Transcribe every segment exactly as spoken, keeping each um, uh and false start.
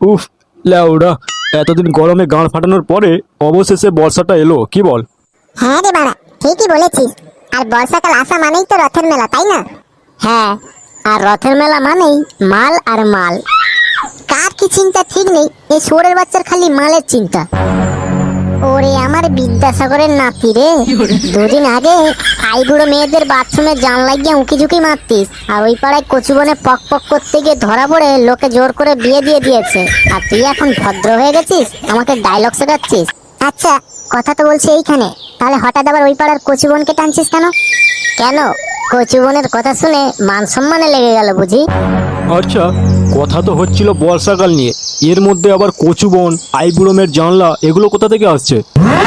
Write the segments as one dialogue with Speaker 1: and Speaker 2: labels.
Speaker 1: উফ, লেওড়া, এতদিন গরমে গাঁড় ফাটানোর পরে অবশেষে বর্ষাটা এলো, কি বল?
Speaker 2: হ্যাঁ রে বাড়া, ঠিকই বলেছিস। আর বর্ষাকাল আসা মানেই তো রথের মেলা, তাই না? হ্যাঁ, আর রথের মেলা মানেই মাল আর মাল। কার কি চিন্তা ঠিক নেই, এই শুয়োরের বাচ্চার খালি মালের চিন্তা। ওরে আমার বিদ্যাসাগরের নাতি রে, দুদিন আগে আইবুড়ো মেয়েদের বাথরুমে জানলা গিয়ে উঁকি ঝুঁকি মারতিস, আর ওই পাড়ায় কচুবনে পক পক করতে গিয়ে ধরা পড়ে লোকে জোর করে বিয়ে দিয়ে দিয়েছে, আর তুই এখন ভদ্র হয়ে গেছিস, আমাকে ডায়লগ শেখাচ্ছিস। আচ্ছা, কথা তো বলছি এইখানে, তাহলে হঠাৎ আবার ওই পাড়ার কচুবনকে টানছিস কেন? কেন, কচুবনের কথা শুনে মান সম্মানে লেগে গেল বুঝি?
Speaker 1: আচ্ছা, কথা তো হচ্ছিল বর্ষাকাল নিয়ে, এর মধ্যে আবার কচুবন, আইবুড়োমের জানলা, এগুলো কোথা থেকে আসছে?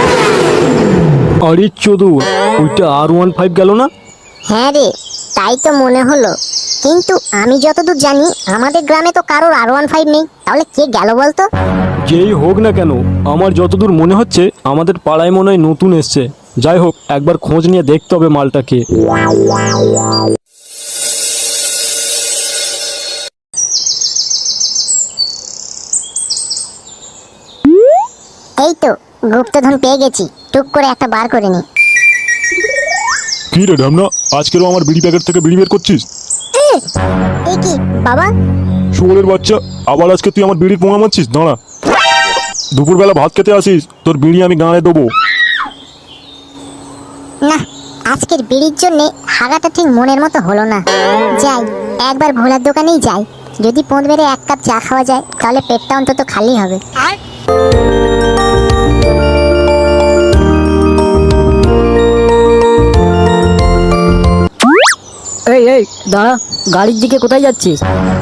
Speaker 1: আরে চোদু, ওইটা আর ওয়ান ফাইভ গেল না?
Speaker 2: হ্যাঁ রে, তাই তো মনে হলো, কিন্তু আমি যতদূর জানি আমাদের গ্রামে তো কারোর আর ওয়ান ফাইভ নেই, তাহলে কে গেল বলতো?
Speaker 1: যেই হোক না কেন, আমার যতদূর মনে হচ্ছে আমাদের পাড়ায় মনে হয় নতুন এসছে। যাই হোক, একবার খোঁজ নিয়ে দেখতে হবে মালটাকে।
Speaker 2: এই তো গুপ্তধন পেয়ে গেছি, টুক করে একটা বার করে নি।
Speaker 1: কি রে ঢামনা, আজকেরও আমার বিড়ি প্যাকেট থেকে বিড়ি বের করছিস?
Speaker 2: এই কি বাবা?
Speaker 1: শুয়োরের বাচ্চা, আবার আজকে তুই আমার বিড়ির পোঙা মারছিস? দাঁড়া, দুপুরবেলা ভাত খেতে আসিস, তোর বিড়ি আমি গাঁড়ে দেবো।
Speaker 2: না, আজকের বিড়ির জন্য হাগাটা ঠিক মনের মতো হলো না। যাই, একবার ভোলার দোকানেই যাই, যদি পোঁত বেড়ে এক কাপ চা খাওয়া যায় তাহলে পেটটা অন্তত খালি হবে।
Speaker 3: এই এই দাঁড়া, গাড়ির দিকে কোথায় যাচ্ছিস?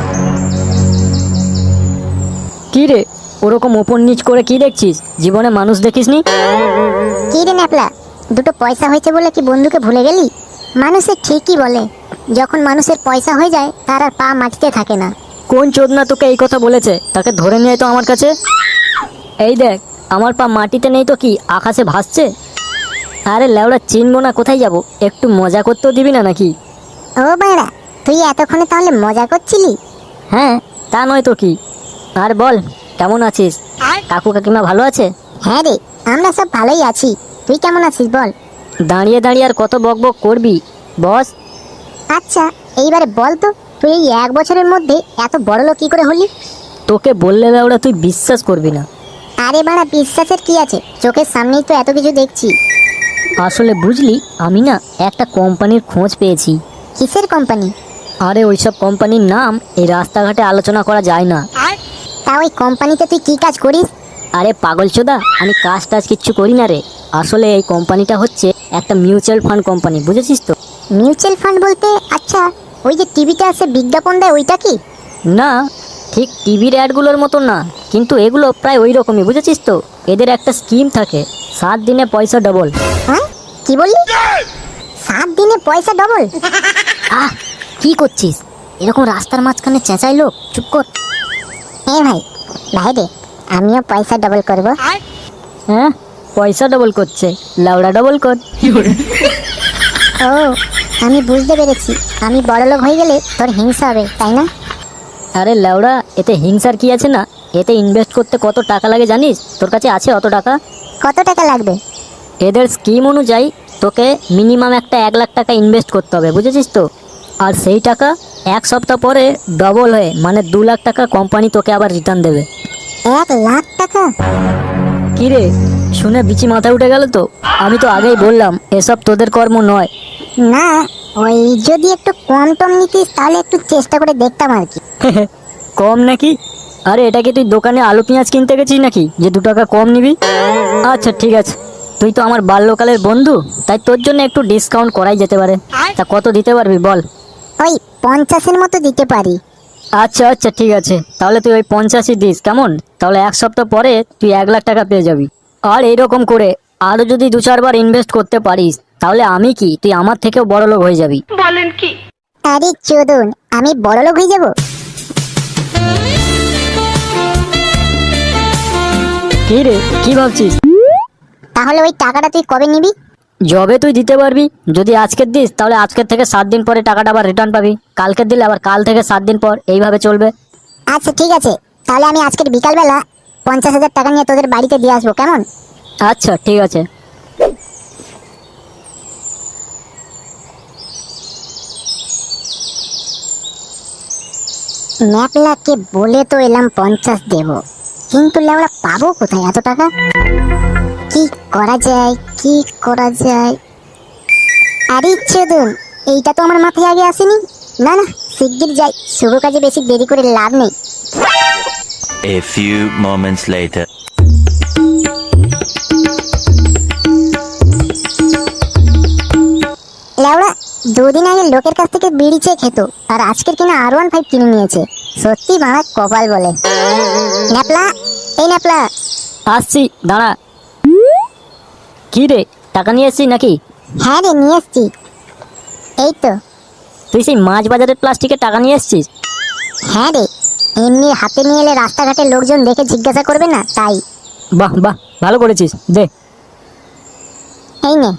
Speaker 3: কি রে, ওরকম ওপর নিচ করে কি দেখছিস? জীবনে মানুষ দেখিসনি?
Speaker 2: কি রে ন্যাপলা, দুটো পয়সা হয়েছে বলে কি বন্ধুকে ভুলে গেলি? মানুষের ঠিকই বলে, যখন মানুষের পয়সা হয়ে যায় তার আর পা মাটিতে থাকে না।
Speaker 3: কোন চোদনা তোকে এই কথা বলেছে? তাকে ধরে নিয়ে আয় তো আমার কাছে। এই দেখ, আমার পা মাটিতে নেই তো কি আকাশে ভাসছে? আরে লেওড়া, চিনবো না কোথায় যাব? একটু মজা করতেও দিবি না নাকি?
Speaker 2: ও বাড়া, তুই এতক্ষণে তাহলে মজা করছিলি?
Speaker 3: হ্যাঁ, তা নয় তো কি। আর বল, কেমন আছিস? কাকু কাকিমা ভালো আছে?
Speaker 2: হ্যাঁ রে, আমরা সব ভালোই আছি। তুই কেমন আছিস বল?
Speaker 3: দাঁড়িয়ে দাঁড়িয়ে আর কত বক বক করবি, বস।
Speaker 2: আচ্ছা, এইবারে বল তো, তুই এই এক বছরের মধ্যে এত বড় লোক কি করে হলি?
Speaker 3: তোকে বললে লেওড়া তুই বিশ্বাস করবি না।
Speaker 2: আরে বাড়া, বিশ্বাসের কি আছে, চোখের সামনেই তো এত কিছু দেখছি।
Speaker 3: আসলে বুঝলি, আমি না একটা কোম্পানির খোঁজ পেয়েছি।
Speaker 2: কিসের কোম্পানি?
Speaker 3: আরে ওইসব কোম্পানির নাম এই রাস্তাঘাটে আলোচনা করা যায় না।
Speaker 2: তা ওই কোম্পানিতে তুই কি কাজ করিস?
Speaker 3: আরে পাগল চোদা, আমি কাজ টাজ কিচ্ছু করি না রে। আসলে এই কোম্পানিটা হচ্ছে একটা মিউচুয়াল ফান্ড কোম্পানি, বুঝেছিস তো?
Speaker 2: মিউচুয়াল ফান্ড বলতে, আচ্ছা, ওই যে টিভিতে আসে বিজ্ঞাপন দেয় ওইটা কি?
Speaker 3: না, ঠিক টিভির অ্যাডগুলোর মতো না, কিন্তু এগুলো প্রায় ওই রকমই, বুঝেছিস তো? এদের একটা স্কিম থাকে, সাত দিনে পয়সা ডবল।
Speaker 2: হ্যাঁ, কি বললি? সাত দিনে পয়সা ডবল?
Speaker 3: আহ, কি করছিস? এরকম রাস্তার মাঝখানে চেঁচাই লোক, চুপ কর।
Speaker 2: হ্যাঁ ভাই, ভাই রে, আমিও পয়সা ডবল করব।
Speaker 3: হ্যাঁ, পয়সা ডবল করছে, লাউড়া ডবল কর।
Speaker 2: ও, আমি বুঝতে পেরেছি, আমি বড়লোক হয়ে গেলে তোর হিংসা হবে, তাই না?
Speaker 3: আরে লেওড়া, এতে হিংসার কি আছে? না, এতে ইনভেস্ট করতে কত টাকা লাগে জানিস? তোর কাছে আছে অত টাকা?
Speaker 2: কত টাকা লাগবে?
Speaker 3: এদের স্কিম অনুযায়ী তোকে মিনিমাম একটা এক লাখ টাকা ইনভেস্ট করতে হবে, বুঝেছিস তো? আর সেই টাকা এক সপ্তাহ পরে ডবল হয়ে মানে দু লাখ টাকা কোম্পানি তোকে আবার রিটার্ন দেবে।
Speaker 2: এক লাখ টাকা?
Speaker 3: কি রে, শুনে বিচি মাথায় উঠে গেল তো? আমি তো আগেই বললাম এসব তোদের কর্ম নয়।
Speaker 2: না, ওই যদি একটু কম টম নিতিস তাহলে একটু চেষ্টা করে দেখতাম আর কি।
Speaker 3: কম নাকি? আরে এটা কি তুই দোকানে আলু পেঁয়াজ কিনতে গেছিস নাকি যে দু টাকা কম নিবি? আচ্ছা ঠিক আছে, তুই তো আমার বাল্যকালের বন্ধু, তাই তোর জন্য একটু ডিসকাউন্ট করাই যেতে পারে। তা কত দিতে পারবি বল?
Speaker 2: ওই পঞ্চাশের মতো দিতে পারি।
Speaker 3: আচ্ছা আচ্ছা ঠিক আছে, তাহলে তুই ওই পঞ্চাশই দিস, কেমন? তাহলে এক সপ্তাহ পরে তুই এক লাখ টাকা পেয়ে যাবি। আর এইরকম করে আরো যদি দু চারবার ইনভেস্ট করতে পারিস, তাহলে আমি কি, তুই আমার থেকেও বড় লোক হয়ে যাবি।
Speaker 4: বলেন কি?
Speaker 2: আরে চোদন, আমি বড়লোক হয়ে যাব?
Speaker 3: কি রে, কি ভাবছিস?
Speaker 2: তাহলে ওই টাকাটা তুই কবে নিবি?
Speaker 3: যবে তুই দিতে পারবি। যদি আজকের দিস তাহলে আজকের থেকে সাত দিন পরে টাকাটা আবার রিটার্ন পাবি, কালকের দিলে আবার কাল থেকে সাত দিন পর, এইভাবে চলবে।
Speaker 2: আচ্ছা ঠিক আছে, তাহলে আমি আজকের বিকালবেলা পঞ্চাশ হাজার টাকা নিয়ে তোদের বাড়িতে দিয়ে আসবো, কেমন?
Speaker 3: আচ্ছা ঠিক আছে।
Speaker 2: ন্যাপলাকে বলে তো এলাম পঞ্চাশ দেব, কিন্তু লেওড়া পাবো কোথায় এত টাকা? কি করা যায়, কি করা যায়? আরে চোদন, এইটা তো আমার মাথায় আগে আসেনি। না না, শিগগির যাই, শুভ কাজে বেশি দেরি করে লাভ নেই।
Speaker 4: A few moments later.
Speaker 2: লেওড়া দুদিন আগে লোকের কাছ থেকে বিড়ি চেয়ে খেত, আর আজকের কিনা আর ওয়ান ফাইভ কিনে নিয়েছে। সত্যি বাড়া কপাল বলে। ন্যাপলা, এই ন্যাপলা।
Speaker 3: আসছি, দাঁড়া। কি রে, টাকা নিয়ে এসছিস নাকি?
Speaker 2: হ্যাঁ রে, নিয়ে এসছি। এই তো।
Speaker 3: তুই সেই মাছ বাজারের প্লাস্টিকের টাকা নিয়ে এসছিস?
Speaker 2: হ্যাঁ রে, এমনি হাতে নিয়ে এলে রাস্তাঘাটে লোকজন দেখে জিজ্ঞাসা করবে না, তাই।
Speaker 3: বাহ বাহ, ভালো করেছিস, দে।
Speaker 2: এই নে।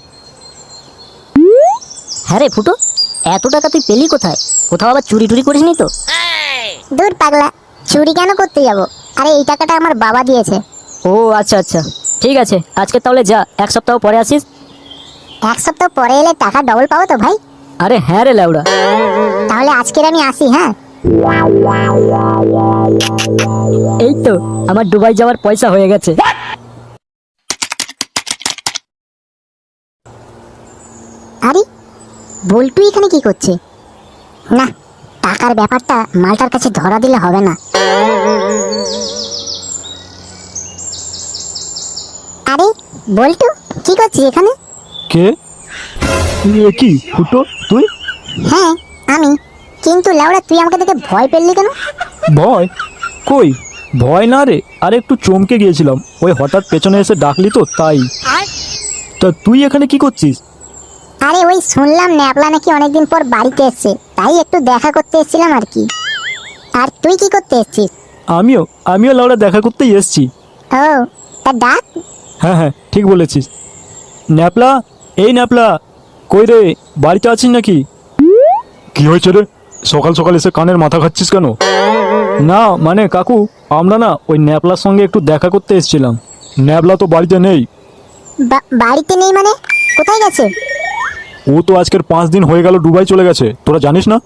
Speaker 3: হ্যাঁ রে ফুটো, এত টাকা তুই পেলি কোথায়? কোথাও আবার চুরি টুরি করিসনি তো?
Speaker 2: দূর পাগলা, চুরি কেন করতে যাব? আরে এই টাকাটা আমার বাবা দিয়েছে।
Speaker 3: ও আচ্ছা আচ্ছা, ঠিক আছে, আজকে তাহলে যা, এক সপ্তাহ পরে আসিস।
Speaker 2: এক সপ্তাহ পরে এলে টাকা ডবল পাবো তো ভাই?
Speaker 3: আরে হ্যাঁ রে ল্যাউড়া।
Speaker 2: তাহলে আজকের আমি আসি, হ্যাঁ?
Speaker 3: এই তো আমার দুবাই যাওয়ার পয়সা হয়ে গেছে।
Speaker 2: আরে বল্টু এখানে কি করছে? না, টাকার ব্যাপারটা মালটার কাছে ধরা দিলে হবে না। আরে বল্টু, কি করছিস এখানে?
Speaker 1: কে? এ কি ফুটো, তুই?
Speaker 2: হ্যাঁ আমি। কিন্তু লাউড়া, তুই আমাকে দেখে ভয় পেলি কেন?
Speaker 1: ভয়? কই, ভয় না রে, আরে একটু চমকে গিয়েছিলাম, ওই হঠাৎ পেছনে এসে ডাকলি তো তাই। তা তুই এখানে কি করছিস?
Speaker 2: আরে ওই শুনলাম ন্যাপলা নাকি অনেকদিন পর বাড়িতে এসছে, তাই একটু দেখা করতে এসেছিলাম আর কি। আর তুই কি করতে এসছিস?
Speaker 1: আমিও আমিও লাউড়া দেখা করতেই এসছি।
Speaker 2: ও, তা ডাক।
Speaker 1: হ্যাঁ হ্যাঁ, ঠিক বলেছিস। ন্যাপলা, এই ন্যাপলা, কই রে, বাড়িতে আছিস নাকি? কি হয়েছে রে, সকাল সকাল এসে কানের মাথা খাচ্ছিস কেন? না মানে কাকু, আমরা না ওই ন্যাপলার সঙ্গে একটু দেখা করতে এসেছিলাম। ন্যাপলা তো বাড়িতে নেই।
Speaker 2: বা- বাড়িতে নেই মানে? কোথায় গেছে?
Speaker 1: ও তো আজকের পাঁচ দিন হয়ে গেল দুবাই চলে গেছে, তোরা জানিস না?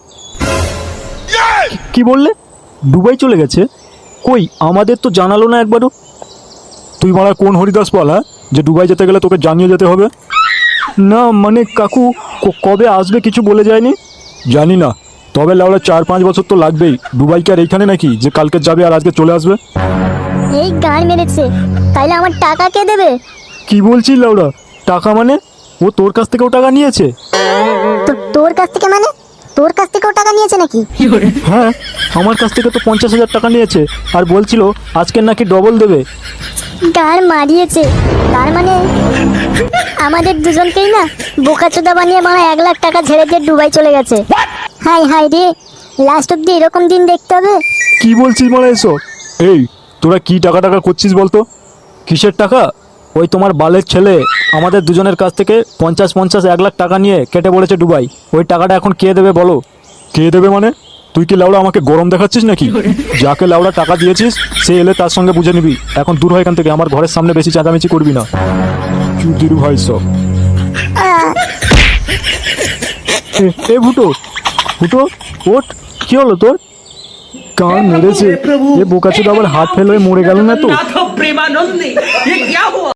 Speaker 1: কি বললে, দুবাই চলে গেছে? কই, আমাদের তো জানালো না একবারও। তুই মারা কোন হরিদাস পাল, হ্যাঁ, যে দুবাই যেতে গেলে তোকে জানিয়ে যেতে হবে? না মানে কাকু, ক- কবে আসবে কিছু বলে যায়নি। জানি না, তবে লাউড়া চার পাঁচ বছর তো লাগবেই। দুবাই কি আর এইখানে নাকি যে কালকে যাবে আর আজকে চলে আসবে?
Speaker 2: এই গান মেরেছে, তাইলে আমার টাকা কে দেবে?
Speaker 1: কি বলছিস লাউড়া, টাকা মানে? ও তোর কাছ থেকেও টাকা নিয়েছে?
Speaker 2: তো তোর কাছ থেকে মানে? তোর কাছ থেকেও টাকা নিয়েছে নাকি?
Speaker 1: হ্যাঁ, আমার কাছ থেকে তো পঞ্চাশ হাজার টাকা নিয়েছে, আর বলছিল আজকে নাকি ডবল দেবে।
Speaker 2: গার মারিয়েছে, তার মানে আমাদের দুজনকেই না বোকাচোদা বানিয়ে মারা এক লাখ টাকা ঝেড়ে দিয়ে দুবাই চলে গেছে। হাই হাই রে, লাস্ট অব্দি এরকম দিন দেখতে হবে?
Speaker 1: কি বলছিস মারা এসব? এই তোরা কি টাকা টাকা করছিস বলতো? কিসের টাকা? ওই তোমার বালের ছেলে আমাদের দুজনের কাছ থেকে পঞ্চাশ পঞ্চাশ এক লাখ টাকা নিয়ে কেটে পড়েছে দুবাই। ওই টাকাটা এখন কে দেবে বলো? কে দেবে মানে? তুই কি লাউড়া আমাকে গরম দেখাচ্ছিস নাকি? যাকে লাউড়া টাকা দিয়েছিস সে এলে তার সঙ্গে বুঝে নিবি। এখন দূর হয় এখান থেকে, আমার ঘরের সামনে বেশি চেঁচামেচি করবি না। চুদির ভাই সব। এ- এ ফুটো, ফুটো ওঠ, কি হলো তোর? কান মেরেছে, এ বোকাচোদা আবার হাত ফেল হয়ে মরে গেল না তো?
Speaker 5: नाथ प्रेमानंद ने ये क्या हुआ?